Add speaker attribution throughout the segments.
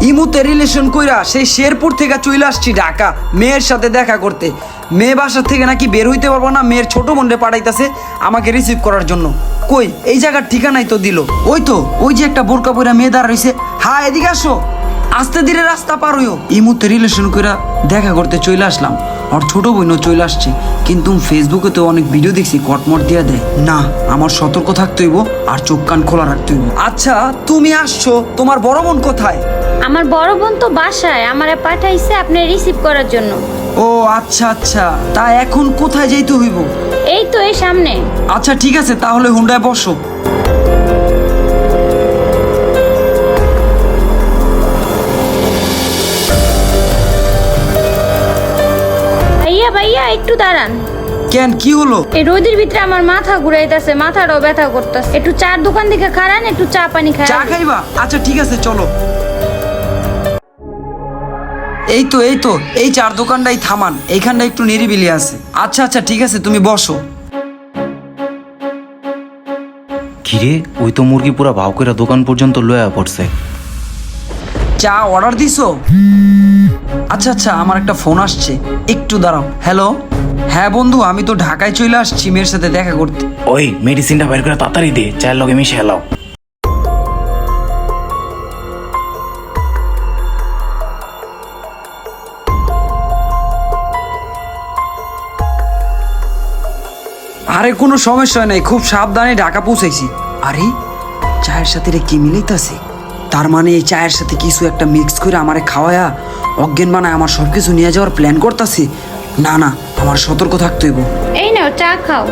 Speaker 1: ইমুতে রিলেশন কইরা সেই শেরপুর থেকে চলে আসছি ঢাকা মেয়ের সাথে দেখা করতে। মেয়ে বাসা থেকে নাকি বের হইতে পারবো না, মেয়ের ছোট বোনরে পাঠাইতেছে আমাকে রিসিভ করার জন্য। কই এই জায়গার ঠিকানাই তো দিল। ওই যে একটা বোরকা পইরা মেয়ে দাঁড় রইছে। হ্যাঁ এদিকে আসো, আস্তে ধীরে রাস্তা পার হইও। ইমুতে রিলেশন কইরা দেখা করতে চলে আসলাম। আর ছোট বোনও চলে আসছে, কিন্তু ফেসবুকে তো অনেক ভিডিও দেখছি কটমট দিয়া দেয়। না, আমার সতর্ক থাকতে হইব আর চোখ কান খোলা রাখতে হইব। আচ্ছা তুমি আসছো, তোমার বড় বোন কোথায়?
Speaker 2: আমার বড় বোন তো বাসায়, আমারে পাঠাইছে আপনি রিসিভ করার জন্য।
Speaker 1: ও আচ্ছা আচ্ছা, তা এখন কোথায় যাইতে হইব?
Speaker 2: এই তো এই সামনে।
Speaker 1: আচ্ছা ঠিক আছে, তাহলে হুন্ডায় বসো।
Speaker 2: ভাইয়া ভাইয়া একটু দাঁড়ান।
Speaker 1: কেন, কি হলো?
Speaker 2: এই রোদের ভিতরে আমার মাথা ঘুরাইতেছে, মাথাটাও ব্যথা করতেছে। একটু চার দোকান থেকে খারান, একটু চা পানি খাই।
Speaker 1: চা খাইবা? আচ্ছা ঠিক আছে চলো। এই তো এই চার দোকানটাই থামান, এইখানটা একটু নিরিবিলি আছে। আচ্ছা আচ্ছা ঠিক আছে, তুমি বসো।
Speaker 3: কিরে, ওই তো মুরগি পুরা ভাও করে দোকান পর্যন্ত লয়া পড়ছে।
Speaker 1: চা অর্ডার দিছো? আচ্ছা আচ্ছা, আমার একটা ফোন আসছে, একটু দাঁড়াও। হ্যালো, হ্যাঁ বন্ধু, আমি তো ঢাকায় চলে আসছি মেয়ের সাথে দেখা করতে।
Speaker 3: ওই মেডিসিনটা বের করে তাড়াতাড়ি দে, চায়ের লগে মিশে হেলাও।
Speaker 1: আরে কোনো সমস্যা নেই, খুব সাবধানে ঢাকা পৌঁছাইছি। আরে চায়ের সাথে রে কি মিলাইতাছে? তার মানে এই চায়ের সাথে কিছু একটা মিক্স করে আমারে খাওয়ায়া অজ্ঞান বানায় আমার সবকিছু নিয়ে যাওয়ার প্ল্যান করতেছে। না না, আমার সতর্ক থাকতে হইব।
Speaker 2: এই নাও চা খাও।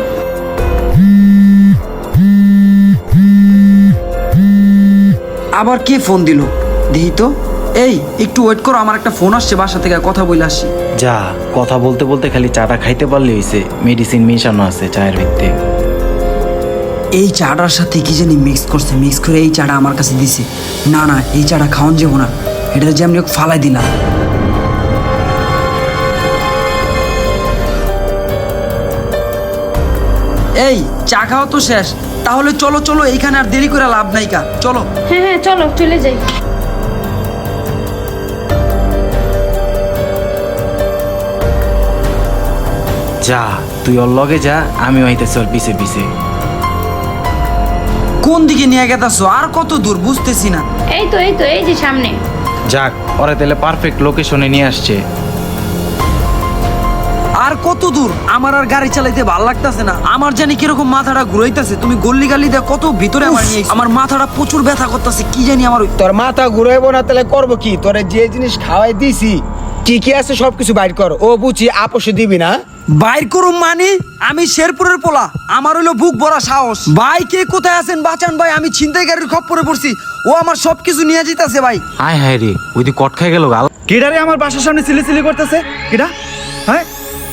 Speaker 1: আবার কে ফোন দিল দেখি তো। এই একটু ওয়েট করো, আমার একটা ফোন আসছে, বাসা থেকে কথা বলে আসি।
Speaker 3: যা, কথা বলতে বলতে খালি চাটা খাইতে পারলে হইছে, মেডিসিন মিশানো আছে চায়ের ভিতরে।
Speaker 1: এই চাটার সাথে কি জানি মিক্স করছে, মিক্স করে এই চাটা আমার কাছে দিছে। না না, এই চাটা খাওয়ান যাবো না, এটা যে আমি ফালাই দিলাম। এই চা খাওয়া তো শেষ, তাহলে চলো চলো, এইখানে আর দেরি করে লাভ নাই কা, চলো।
Speaker 2: হ্যাঁ হ্যাঁ চলো চলে যাই।
Speaker 3: যা, তুই ওর লগে যা, আমি হইতেছি ওর পিছে পিছে।
Speaker 1: কোন দিকে নিয়ে গেতাছো? আর কত দূর বুঝতেছি না।
Speaker 2: এই তো এই যে সামনে।
Speaker 3: যাক, ওরা তাহলে পারফেক্ট লোকেশনে নিয়ে আসছে।
Speaker 1: আর কত দূর? আমার আর গাড়ি চালাইতে ভালো লাগতেছে না, আমার জানি কিরকম মাথাটা ঘুরাইতেছে। তুমি গল্লি গালি দিয়ে কত ভিতরে আমার নিয়ে আইছো। আমার মাথাটা প্রচুর ব্যথা করতেছে, কি জানি আমার।
Speaker 4: তোর মাথা ঘুরাইবো না তাহলে করবো কি? তোরে যে জিনিস খাওয়াই দিছি কি কি আছে সবকিছু বাইর কর। ও বুঝি আপোষে দিবি না?
Speaker 1: বাইর করুম মানে? আমি শেরপুরের পোলা, আমার হইলো বুক ভরা সাহস। ভাই কে কোথায় আছেন বাঁচান ভাই, আমি ছিনতাইকারীর খপ্পরে পড়ছি। ও আমার সবকিছু নিয়ে যেতেছে ভাই।
Speaker 3: হায় হায় রে, ওই দি কট খাই গেল গাল।
Speaker 5: কিডারে আমার বাসার সামনে সিলি করতেছে? কিডা? হ্যাঁ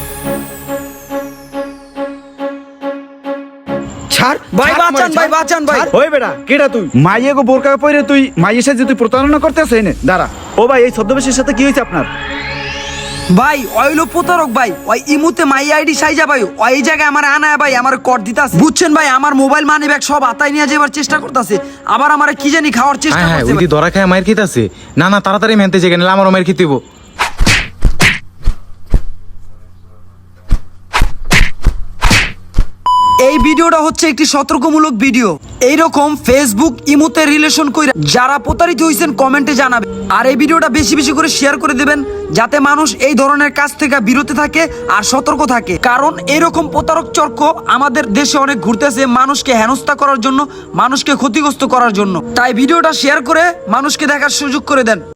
Speaker 4: ছাড়
Speaker 1: ভাই
Speaker 4: ছাড়
Speaker 1: বাঁচান
Speaker 4: আমারে,
Speaker 1: ভাই,
Speaker 4: ছাড়।
Speaker 1: বাঁচান ভাই।
Speaker 5: ওই বেটা, কিডা তুই? মাইয়ে গো বোরকা পরে তুই মাইয়ের সাথে তুই প্রতারণা করতেছ? এনে দাঁড়া। ও ভাই, এই ছদ্মবেশের সাথে কি হয়েছে আপনার?
Speaker 1: ভাই অইলো প্রতারক ভাই, ওই ইমুতে মাই আইডি সাইজা ভাই, ওই এই জায়গায় আমার আনায় ভাই আমার কর দিতাছে, বুঝছেন ভাই? আমার মোবাইল মানি ব্যাগ সব আতাই নিয়ে যাবার চেষ্টা করতেছে, আবার আমারে কি জানি খাওয়ার চেষ্টা
Speaker 3: হ্যাঁ হ্যাঁ,
Speaker 1: করতেছে
Speaker 3: ওই দি ধরা খায় মায়ের খেতেছে। না না, তাড়াতাড়ি মেনতে যেখানে আমারও মায়ের খেতে হইব।
Speaker 1: এই ভিডিওটা হচ্ছে একটি সতর্কমূলক ভিডিও। এইরকম ফেসবুক ইমোতে রিলেশন কইরা যারা প্রতারিত হইছেন কমেন্টে জানাবে। আর এই ভিডিওটা বেশি বেশি করে শেয়ার করে দেবেন, যাতে মানুষ এই ধরনের কাজ থেকে বিরত থাকে আর সতর্ক থাকে। কারণ এরকম প্রতারক চক্র আমাদের দেশে অনেক ঘুরতেছে, মানুষকে হেনস্থা করার জন্য, মানুষকে ক্ষতিগ্রস্ত করার জন্য। তাই ভিডিওটা শেয়ার করে মানুষকে দেখার সুযোগ করে দেন।